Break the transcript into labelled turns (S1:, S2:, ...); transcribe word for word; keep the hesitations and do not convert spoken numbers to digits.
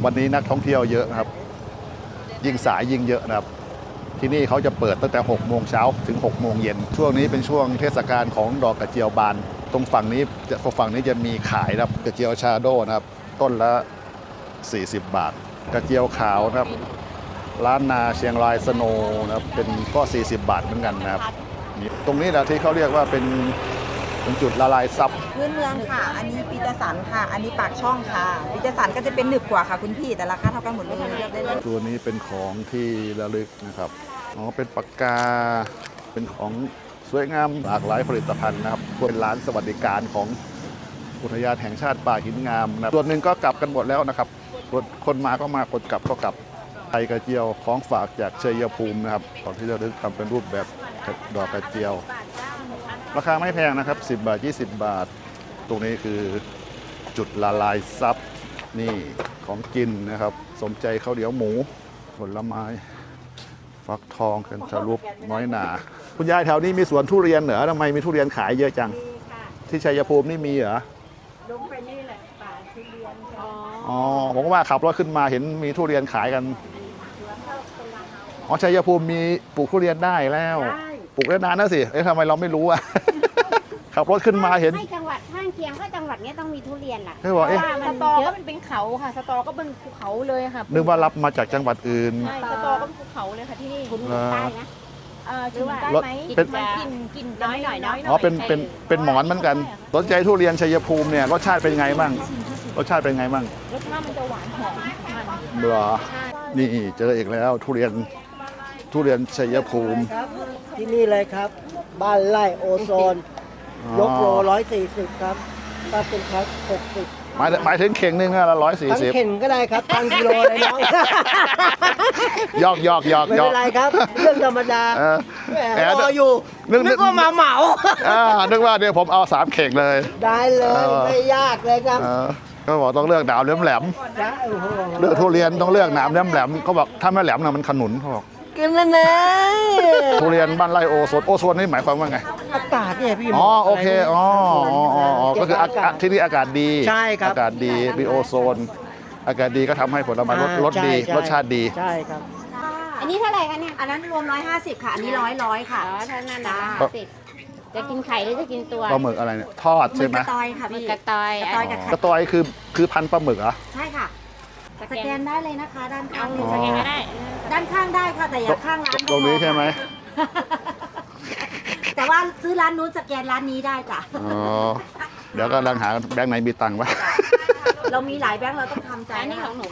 S1: วันนี้นักท่องเที่ยวเยอะนะครับยิ่งสายยิ่งเยอะนะครับที่นี่เขาจะเปิดตั้งแต่หกโมงเช้าถึงหกโมงเย็นช่วงนี้เป็นช่วงเทศกาลของดอกกระเจียวบานตรงฝั่งนี้ฝั่งนี้จะมีขายนะครับกระเจียวชาโดนะครับต้นละสี่สิบบาทกระเจียวขาวนะครับร้านนาเชียงรายสโนว์นะครับเป็นก็สี่สิบบาทเหมือนกันนะครับตรงนี้แหละที่เขาเรียกว่าเป็นเป็นจุดละลายซับ
S2: พื้นเมืองค่ะ อันนี้ปีเตอร์สันค่ะ อันนี้ปากช่องค่ะปีเตอร์สันก็จะเป็นหนึบกว่าค่ะคุณพี่แต่ราคาเท่ากันหมดเลยเลือกได้เลย
S1: ตัวนี้เป็นของที่ระลึกนะครับอ๋อเป็นปากกาเป็นของสวยงามหลากหลายผลิตภัณฑ์นะครับเป็นร้านสวัสดิการของอุทยานแห่งชาติป่าหินงามนะส่วนหนึ่งก็กลับกันหมดแล้วนะครับคนมาก็มาคนกลับก็กลับไทยกระเจียวของฝากจากชัยภูมินะครับของที่ระลึกทำเป็นรูปแบบดอกกระเจียวราคาไม่แพงนะครับสิบบาทยี่สิบบาทตรงนี้คือจุดละลายซับนี่ของกินนะครับสมใจข้าวเหนียวหมูผลไม้ฟักทองกันทะลุน้อยหนาคุณยายแถวนี้มีสวนทุเรียนเหรอทำไมมีทุเรียนขายเยอะจังที่ชัยภูมินี่มีเหรอ
S3: ลงไปนี่แหละป่าทุเรียน
S1: อ๋อผมว่าขับรถขึ้นมาเห็นมีทุเรียนขายกันอ๋อชัยภูมิมีปลูกทุเรียนได้แล้วปลูกได้นานแล้วสิเอ๊ะทำไมเราไม่รู้อ่ะ ขับรถขึ้นมาเห็น
S3: ให้จังหวัดข้างเคียงก็จังหวัดนี้ต้องมีทุเรียนล่ะ
S1: เพราะว่าเอ๊ะ
S3: สตอก็มันเป็นเขาค่ะสตอก็เป็นภูเขาเลยค่ะ
S1: นึกว่ารับมาจากจังหวัดอื่น
S3: ใช่สตอก็เป็นภูเขาเลยค่ะที่นี่คุณใต้นะเออหรือว่าได้ไหม
S1: เป็น
S3: กินกินน้อยหน่อยน้อย
S1: อ๋อเป็นเป็นเป็นหมอนเหมือนกันสนใจทุเรียนชัยภูมิเนี่ยรสชาติเป็นไงบ้างรสชาติเป็นไงบ้าง
S3: รสชาติมันจะหวานหอมมัน
S1: เหรอนี่เจออีกแล้วทุเรียนทุเรียนชัยภูมิ
S4: ครับที่นี่เลยครับ บ้านไร่โอโซน ยกโลร้อยสี่สิบครับถ้าเป็นครับหกสิบ
S1: หมายหมายถึงเข่งนึงละร้อยสี่
S4: ทั้ง
S1: สิบ
S4: เข่งก็ได้ครับทั้งกิโลเลยน้อง
S1: ยอกยอกยอก
S4: ไม่
S1: ยอ
S4: เป็
S1: ก
S4: นไรครับ เรื่องธรรมดา
S1: เออ
S4: แหม
S1: แหม
S4: รออยู่
S1: นึกนึ
S4: นึ
S1: ก
S4: กว่ามาเหมา
S1: อ่านึกว่าเดี๋ยวผมเอาสามเข่งเลย
S4: ได้เลย
S1: เออ
S4: ไม่ยากเลยครับ
S1: เออก็บอกต้องเลือกหนามแหลมแหลม
S4: ได้โอ้โห
S1: ๆเลือกทุเรียนต้องเลือกหนามแหลมแหลมเขาบอกถ้าไม่แหลมนะมันขนุนเขาบอก
S4: กินแล้วนะ
S1: ทุเรียนบ้านไร่โอโซนโอโซนนี่หมายความว่าไง
S4: อากาศเนี่ยพี่
S1: อ๋อโอเคอ๋ออ๋ออ๋ออ๋อก็คืออา
S4: เบกาศ
S1: ที่นี่อากาศดี
S4: ใช่ครับ
S1: อากาศดีมีโอโซน อากาศดีก็ทำให้ผลไม้รส
S4: อ่าร
S1: สดี
S4: ใช่
S1: รสชาติดี
S4: ใช่ครับ
S3: อันนี้เท่าไหร่คะเนี่ย
S2: อันนั้นรวมร้อยห้าสิบค่ะ อันนี้ร้อยร้อยค่ะ
S3: อ๋อเท่านั้นนะ
S1: ครับ
S3: สิจะกินไข่หรือจะกินตัว
S1: ปลาหมึกอะไรเนี่ยทอด
S2: มื
S1: ใช่
S2: อ
S1: ไหม
S2: กระตอยค่ะ
S3: มัน
S2: พี่
S3: กระตอย
S2: กระตอยกับไข่
S1: กระตอยคือคือพันธุ์ปลาหมึกเหรอ
S2: ใช่ค่ะ สแกนได้เลยนะคะ ด้านข้าง
S3: สแกนก็ได้
S2: ด้านข้างได้ค่ะแต่อย่าข้างร้าน
S1: ตรงนี้ใช่ไหม
S2: แต่ว่าซื้อร้านนู้นสแกนร้านนี้ได้จ้ะ
S1: อ๋อเดี๋ยวก็กำลังหาแบงค์ไหนมีตังค์วะ
S2: เรามีหลายแบงค์เราต้องทำใจ
S3: อันนี้
S2: นะ
S3: ข
S2: คะ
S3: องหนู